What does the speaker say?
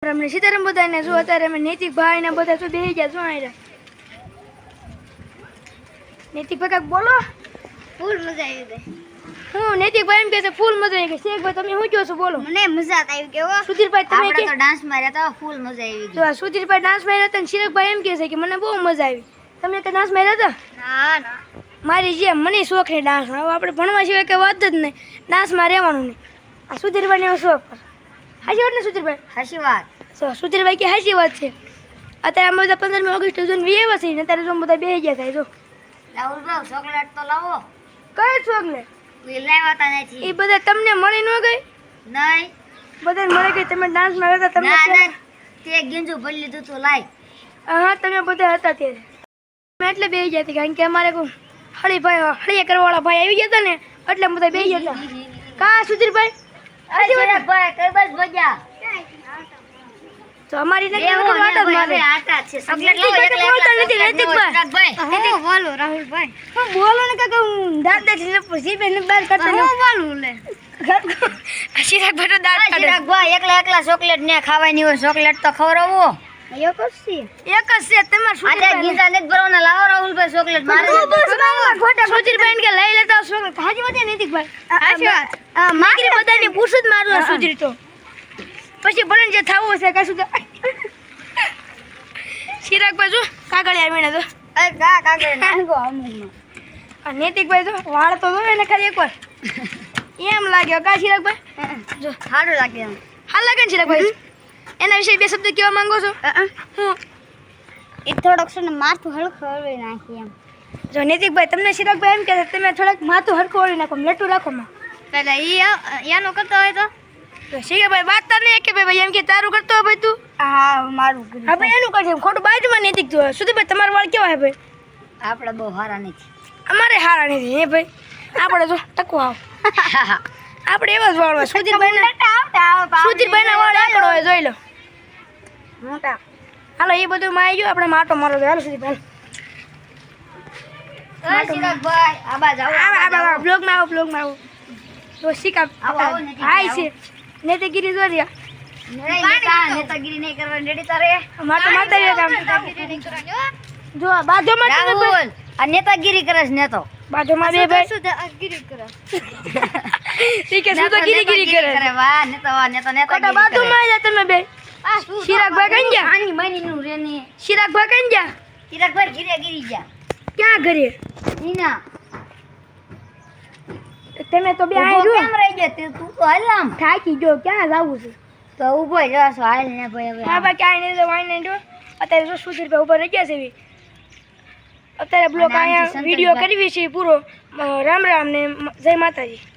અમને સીતારામ બધાને જો અત્યારે અમે નૈતિક ભાઈ ને બધા તો બેસી ગયા. શું આયરા નૈતિક ભાઈ કાંઈક બોલો. ફૂલ મજા આવી ગઈ. હું નૈતિક ભાઈ એમ કહે છે ફૂલ મજા આવી ગઈ. શેખભાઈ તમે શું કહો છો બોલો. મને મજા આવી ગઈ હો. સુધીરભાઈ તમે આપણે તો ડાન્સ માર્યા હતા ફૂલ મજા આવી ગઈ. જો સુધીરભાઈ ડાન્સ માર્યા હતા ને શિરકભાઈ એમ કહે છે કે મને બહુ મજા આવી. તમે કે ડાન્સ માર્યા હતા? ના ના મારી જેમ મને શોખ છે ડાન્સ. હવે આપણે ભણવા સિવાય કે વાત જ નહીં, ડાન્સમાં રહેવાનું નહીં. આ સુધીરભાઈને એવો શોખ. હાચી વાત ને સુધીરભાઈ? સાચી વાત. સુધીરભાઈ કે હાચી વાત છે. અત્યારે અમે બધા 15મી ઓગસ્ટ સુધી વિયેવા છીએ ને અત્યારે જો બધા બેસી ગયા થાય. જો રાહુલભાઈ ચોકલેટ તો લાવો. કઈ ચોકલેટ? લાવતા નથી. એ બધા તમને મળી ન ગઈ? નહીં બધાને મળી ગઈ. તમે ડાન્સમાં હતા તમને ના ના તે ગીંજુ ભરી લીધું તું લાય. હા તમે બધા હતા ત્યારે મેં એટલે બેસી ગયા હતા કારણ કે અમારે કોઈ હળિયા કરવાવાળા ભાઈ આવી ગયા હતા ને એટલે બધા બેસી ગયા હતા. કા સુધીરભાઈ? ભાઈ કઈ બસ ભજા તો અમારી નથી આટા જ મારે. આટા છે ચોકલેટ નૈતિક બોલતા નથી નૈતિકભાઈ. હું બોલો રાહુલભાઈ. હું બોલો ને કાકા હું દાંત જીભે બહાર કરતો હું બોલું લે શિરાકભાઈ તો દાંત કાઢે. ભાઈ એકલા ચોકલેટ ને ખાવાની હોય ચોકલેટ તો ખવડાવો. એક જ છે તમારે આજે ગીતા ને ભરવાના લાવો રાહુલભાઈ ચોકલેટ મારે સુધીરભાઈ કે લઈ લેતા ચોકલેટ. હાજી વાત નૈતિકભાઈ? હાચી વાત. મારી બધાને પૂછું જ મારું સુધીર તો પછી ભલે જે થવું હશે કાશું તો શિરાકભાઈ જો કાગળ આવીને તો નૈતિકભાઈ જો વાળ તો જો એને ખાલી એકવાર એમ લાગ્યો કા શિરાકભાઈ? જો સારું લાગે એમ. હાલ લાગે ને શિરાકભાઈ? એના વિશે બે શબ્દ કહેવા માંગો છો? હું એ થોડોક છે ને માથું હલકું હળવી નાખી એમ. જો નૈતિકભાઈ તમને શિરાકભાઈ એમ કહે છે તમે થોડાક માથું હરખું ઓળી નાખો, લેટું રાખો માં. પેલા એનું કરતો હોય તો શિરાકભાઈ વાત તાર નહીં કે ભાઈ એમ કે તારું કરતો હોય ભાઈ તું? હા મારું હા ભાઈ એનું કરશે ખોટું બાજુમાં નૈતિક તું સુધીરભાઈ તમારા વાળ કેવા હે ભાઈ? આપણે બહુ સારા નથી. અમારે હારા નથી હે ભાઈ. આપણે તો ટકવા આવ આપણે એવા જ વાળ હોય. સુધીરભાઈના વાળ આકડો હોય જોઈ લો. મોટા હાલો એ બધું માં આવી ગયું આપણે માટો મારો હાલો સુધીરભાઈ. શિરાકભાઈ આબાજ આવો બ્લોગમાં આવો તો શીખા હાય છે નેતાગીરી જો રહ્યા નેતાગીરી નહીં કરવાની રેડી તારે માટો માતા જો બાજુમાં રાહુલ આ નેતાગીરી કરે છે નેતો બાજુમાં બે ભાઈ નેતાગીરી કરે ઠીક છે શું તો ગીરી કરે વાહ નેતા કોટા બાજુમાં આવ્યા તમે બે શિરાકભાઈ કઈ ગયા? આની મની નું રેની શિરાકભાઈ કઈ ગયા? શિરાકભાઈ ઘીરે ગીરી ગયા ક્યાં ઘરે? નીના તમે તો બે ઊભો આઈ કેમ રહી ગયા તું તો હાલ આમ થાકી જો ક્યાં જાવું છે? તો ઊભો જ રહેશો હાલ ને ભાઈ હવે હા ભાઈ ક્યાંય નહીં વાઈ નહીં જો અત્યારે જો સુધીરભાઈ ઉપર રહી ગયા છે એવી. અત્યારે બ્લોગ અહીંયા વિડીયો કરવી છે પૂરો. રામ રામ ને જય માતાજી.